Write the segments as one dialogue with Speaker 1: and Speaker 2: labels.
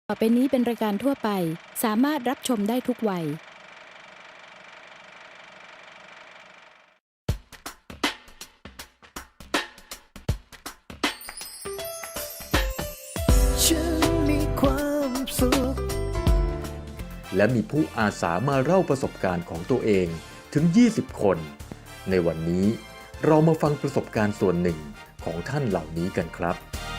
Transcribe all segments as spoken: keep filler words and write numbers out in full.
Speaker 1: ต่อไปนี้เป็นรายการทั่วไปสามารถรับชมได้ทุกวัย
Speaker 2: ฉันมีความสุข
Speaker 3: และมีผู้อาสามาเล่าประสบการณ์ของตัวเองถึง ยี่สิบ คน ในวันนี้เรามาฟังประสบการณ์ส่วนหนึ่งของท่านเหล่านี้กันครับ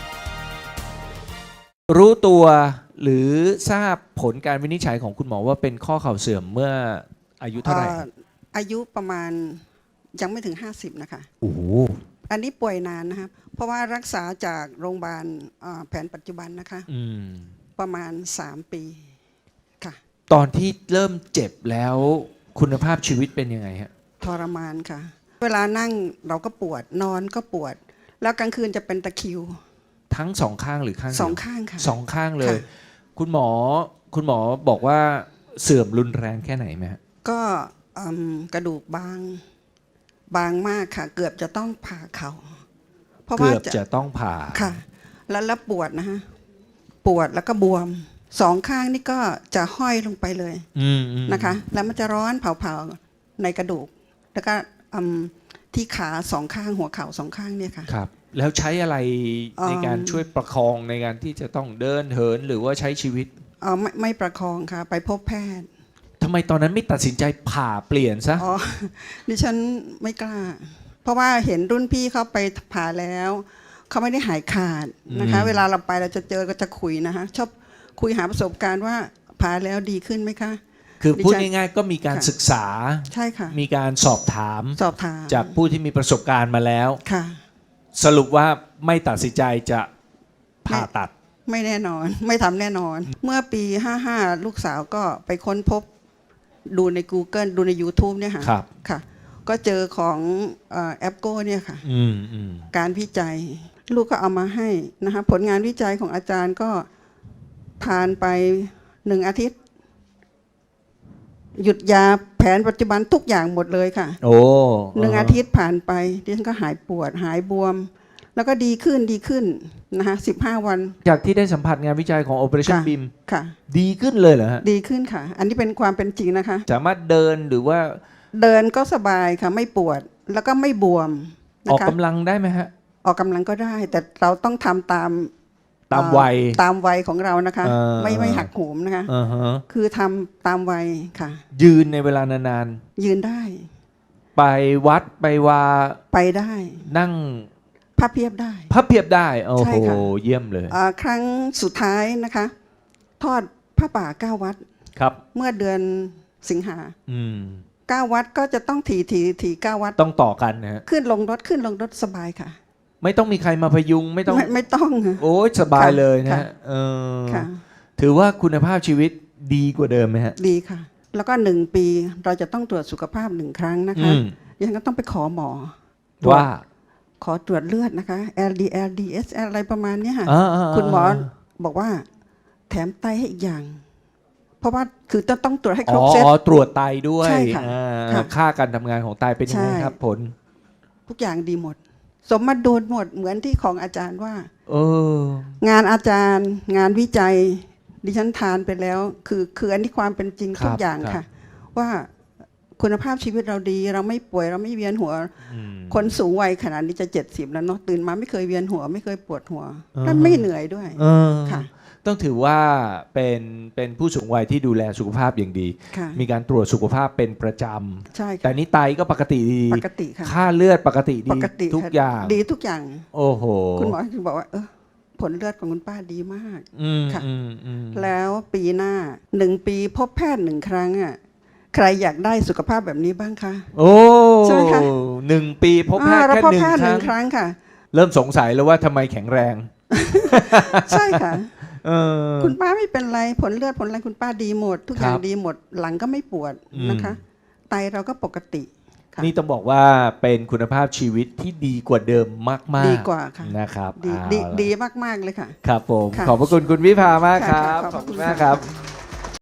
Speaker 4: รู้ตัวหรือทราบผลการวินิจฉัยของคุณหมอว่าเป็นข้อเข่าเสื่อมเมื่ออายุเท่าไหร่
Speaker 5: อ่ออายุประมาณยังไม่ถึงห้าสิบนะคะ
Speaker 4: โอ้โห
Speaker 5: อันนี้ป่วยนานนะครับเพราะว่ารักษาจากโรงพยาบาลอ่าแผนปัจจุบันนะคะ
Speaker 4: อืม
Speaker 5: ประมาณสามปีค่ะ
Speaker 4: ตอนที่เริ่มเจ็บแล้วคุณภาพชีวิตเป็นยังไงฮะ
Speaker 5: ทรมานค่ะ เวลานั่งเราก็ปวดนอนก็ปวด แล้วกลางคืนจะเป็นตะคริว
Speaker 4: ทั้งสองข้างหรือข้างเดียว
Speaker 5: สองข้างค่ะ
Speaker 4: สองข้างเลย
Speaker 5: ค่ะ
Speaker 4: คุณหมอคุณหมอบอกว่าเสื่อมรุนแรงแค่ไหนไหมฮะ
Speaker 5: ก็อืมกระดูกบางบางมากค่ะ เกือบจะต้องผ่าเขาเพราะว่า
Speaker 4: เกือบจะต้องผ่า
Speaker 5: ค่ะ แล้วแล้วปวดนะฮะปวดแล้วก็บวมสองข้างนี่ก็จะห้อยลงไปเลย
Speaker 4: อืมอืม
Speaker 5: นะคะ แล้วมันจะร้อนเผาๆในกระดูก แล้วก็อืมที่ขาสองข้างหัวเข่าสองข้างเนี่ยค่ะ
Speaker 4: ครับ แล้วใช้อะไรในการ
Speaker 5: อืม
Speaker 4: ช่วยประคองในการที่จะต้องเดินเหินหรือว่าใช้ชีวิต
Speaker 5: เอ่อไม่ไม่ประคองค่ะ ไปพบแพทย์
Speaker 4: ทำไมตอนนั้นไม่ตัดสินใจผ่าเปลี่ยนซะ
Speaker 5: อ๋อ ดิฉันไม่กล้า เพราะว่าเห็นรุ่นพี่เขาไปผ่าแล้วเขาไม่ได้หายขาดนะคะ
Speaker 4: อืม
Speaker 5: เวลาเราไปเราจะเจอก็จะคุยนะคะชอบคุยหาประสบการณ์ว่าผ่าแล้วดีขึ้นไหมคะ
Speaker 4: คือพูด
Speaker 5: ดิฉัน
Speaker 4: ง่ายๆก็มีการ
Speaker 5: ค่ะ
Speaker 4: ศึกษา
Speaker 5: ใช่ค่ะ
Speaker 4: มีการสอบถาม
Speaker 5: สอบถาม
Speaker 4: จากผู้ที่มีประสบการณ์มาแล้ว
Speaker 5: ค่ะ
Speaker 4: สรุปว่าไม่ตัดสินใจจะผ่าตัด
Speaker 5: ไม่แน่นอน ไม่ทำแน่นอน เมื่อปีห้าห้าลูกสาวก็ไปค้นพบดูใน Google ดูใน YouTube เนี่ยค่ะ
Speaker 4: ครับ
Speaker 5: ค่ะ ก็เจอของเอ่อแอปโก้เนี่ยค่ะ
Speaker 4: อืมอืม
Speaker 5: การวิจัย ลูกก็เอามาให้นะคะผลงานวิจัยของอาจารย์ก็ทานไปหนึ่งอาทิตย์ หยุดยาแผนปัจจุบันทุกอย่างหมดเลยค่ะ
Speaker 4: โอ้
Speaker 5: หนึ่งอาทิตย์ผ่านไปดิฉันก็หายปวดหายบวม แล้วก็ดีขึ้นดีขึ้นนะคะสิบห้าวัน
Speaker 4: จากที่ได้สัมผัสงานวิจัยของ Operation
Speaker 5: ค่ะ
Speaker 4: บี เอ็ม
Speaker 5: ค่ะ
Speaker 4: ดีขึ้นเลยเหรอฮะ
Speaker 5: ดีขึ้นค่ะ อันนี้เป็นความเป็นจริงนะคะ
Speaker 4: สามารถเดินหรือว่า
Speaker 5: เดินก็สบายค่ะไม่ปวดแล้วก็ไม่บวม
Speaker 4: ออก
Speaker 5: นะคะ
Speaker 4: กำลังได้ไหมฮะ
Speaker 5: ออกกำลังก็ได้ แต่เราต้องทำตาม
Speaker 4: ตาม
Speaker 5: เอ่อ
Speaker 4: วัย
Speaker 5: ตามวัยของเรานะคะ
Speaker 4: เออ
Speaker 5: ไม่ไม่หักโหมนะคะ
Speaker 4: อ่าฮะ
Speaker 5: คือทำตามวัยค่ะ
Speaker 4: ยืนในเวลานาน
Speaker 5: ยืนได้
Speaker 4: ๆ ไปวัดไปวา
Speaker 5: ไปได้
Speaker 4: นั่ง
Speaker 5: ผ้าเพียบได้
Speaker 4: พับเพียบได้โอ้
Speaker 5: ใช่
Speaker 4: โห
Speaker 5: ค่ะ
Speaker 4: เยี่ยมเลย
Speaker 5: อ่าครั้งสุดท้ายนะคะ ทอดผ้าป่าเก้าวัด
Speaker 4: ครับ
Speaker 5: เมื่อเดือนสิงหา
Speaker 4: อืม
Speaker 5: เก้าวัดก็จะต้องถีถีถีเก้าวัด
Speaker 4: ต้องต่อกันนะฮะ
Speaker 5: ขึ้นลงรถขึ้นลงรถสบายค่ะ
Speaker 4: ไม่ต้องมีใครมาพยุงไม่ต้อง
Speaker 5: ไม่ไม่ต้องค่ะ
Speaker 4: โอ้ยสบายเลยนะ
Speaker 5: ค่ะ
Speaker 4: ฮะเออ
Speaker 5: ค่ะ
Speaker 4: ถือว่าคุณภาพชีวิตดีกว่าเดิมไหมฮะ
Speaker 5: ดีค่ะ แล้วก็หนึ่งปีเราจะต้องตรวจสุขภาพหนึ่งครั้งนะคะ
Speaker 4: อืม
Speaker 5: ยังก็ต้องไปขอหมอ
Speaker 4: ว่า
Speaker 5: ขอตรวจเลือดนะคะ แอล ดี แอล ดี เอส แอล อะไรประมาณเนี้ยค่ะ
Speaker 4: อ่าๆๆ
Speaker 5: คุณหมอบอกว่าแถมไตให้อีกอย่าง เพราะว่าคือต้องต้องตรวจให้ครบเซต
Speaker 4: อ๋อตรวจไตด้วย
Speaker 5: ใช่ค่ะ
Speaker 4: อ่า
Speaker 5: ค่ะ
Speaker 4: ค่าการทำงานของไตเป็นยังไง
Speaker 5: ใช่
Speaker 4: ครับผล
Speaker 5: ทุกอย่างดีหมด สมมาดูหมดเหมือนที่ของอาจารย์ว่า
Speaker 4: เออ
Speaker 5: งานอาจารย์ งานวิจัย ดิฉันทานไปแล้ว คือคืออันนี้ความเป็นจริง
Speaker 4: ครับ
Speaker 5: ทุกอย่าง
Speaker 4: ครับ
Speaker 5: ค่ะ ว่าคุณภาพชีวิตเราดี เราไม่ป่วยเราไม่เวียนหัว
Speaker 4: อืม
Speaker 5: คนสูงวัยขนาดนี้จะเจ็ดสิบแล้วเนาะตื่นมาไม่เคยเวียนหัว ไม่เคยปวดหัว
Speaker 4: อ่าฮะ
Speaker 5: และไม่เหนื่อยด้วย
Speaker 4: เออ
Speaker 5: ค่ะ
Speaker 4: ต้องถือว่าเป็นเป็นผู้สูงวัยที่ดูแลสุขภาพอย่างดี
Speaker 5: ค่ะ
Speaker 4: มีการตรวจสุขภาพเป็นประจ
Speaker 5: ใช่
Speaker 4: ำแต่
Speaker 5: ค่ะ
Speaker 4: นี้ไตก็ปกติดี
Speaker 5: ปกติค่ะ
Speaker 4: ค่าเลือดปกติ
Speaker 5: ป
Speaker 4: ดี
Speaker 5: กติ
Speaker 4: ทุก
Speaker 5: ค่ะ
Speaker 4: อย่าง
Speaker 5: ดีทุกอย่าง
Speaker 4: โอ้โห
Speaker 5: คุณหมอถึงบอกว่า เออผลเลือดของคุณป้าดีมาก
Speaker 4: อืม
Speaker 5: ค่ะ
Speaker 4: อืมอืม
Speaker 5: แล้วปีหน้าหนึ่งปีพบแพทย์หนึ่งครั้งอ่ะใครอยากได้สุขภาพแบบนี้บ้างคะ
Speaker 4: โอ้
Speaker 5: ใช่ไหมคะ
Speaker 4: หนึ่งปีพบแพทย์
Speaker 5: อ่าเรา
Speaker 4: แค่
Speaker 5: พบ
Speaker 4: หนึ่ง
Speaker 5: แพทย์
Speaker 4: ค
Speaker 5: ห
Speaker 4: รั้
Speaker 5: นึ่
Speaker 4: ง
Speaker 5: งครั้งค่ะ
Speaker 4: เริ่มสงสัยแล้วว่าทำไมแข็งแรง
Speaker 5: ใช่ค่ะ
Speaker 4: เออ
Speaker 5: คุณป้าไม่เป็นไรผลเลือดผลอะไรคุณป้าดีหมด ทุกอย่าง
Speaker 4: ครับ
Speaker 5: ดีหมดหลังก็ไม่ปวด
Speaker 4: อืม
Speaker 5: นะคะ ไตเราก็ปกติค่ะ
Speaker 4: นี่ต้องบอกว่าเป็นคุณภาพชีวิตที่ดีกว่าเดิมมากๆ
Speaker 5: ดีกว่าค่ะ
Speaker 4: นะครับ
Speaker 5: ดี
Speaker 4: เอา
Speaker 5: ดี
Speaker 4: ล่ะ
Speaker 5: ดีมากๆเลยค่ะ
Speaker 4: ครับผม
Speaker 5: ค่ะ
Speaker 4: ขอบพระคุณคุณวิภามากค
Speaker 5: ค่ะ
Speaker 4: รับ
Speaker 5: ขอบ
Speaker 4: ขอบ
Speaker 5: คุ
Speaker 4: คุณ
Speaker 5: ณ
Speaker 4: มาก
Speaker 5: ค่ะ
Speaker 4: ครับ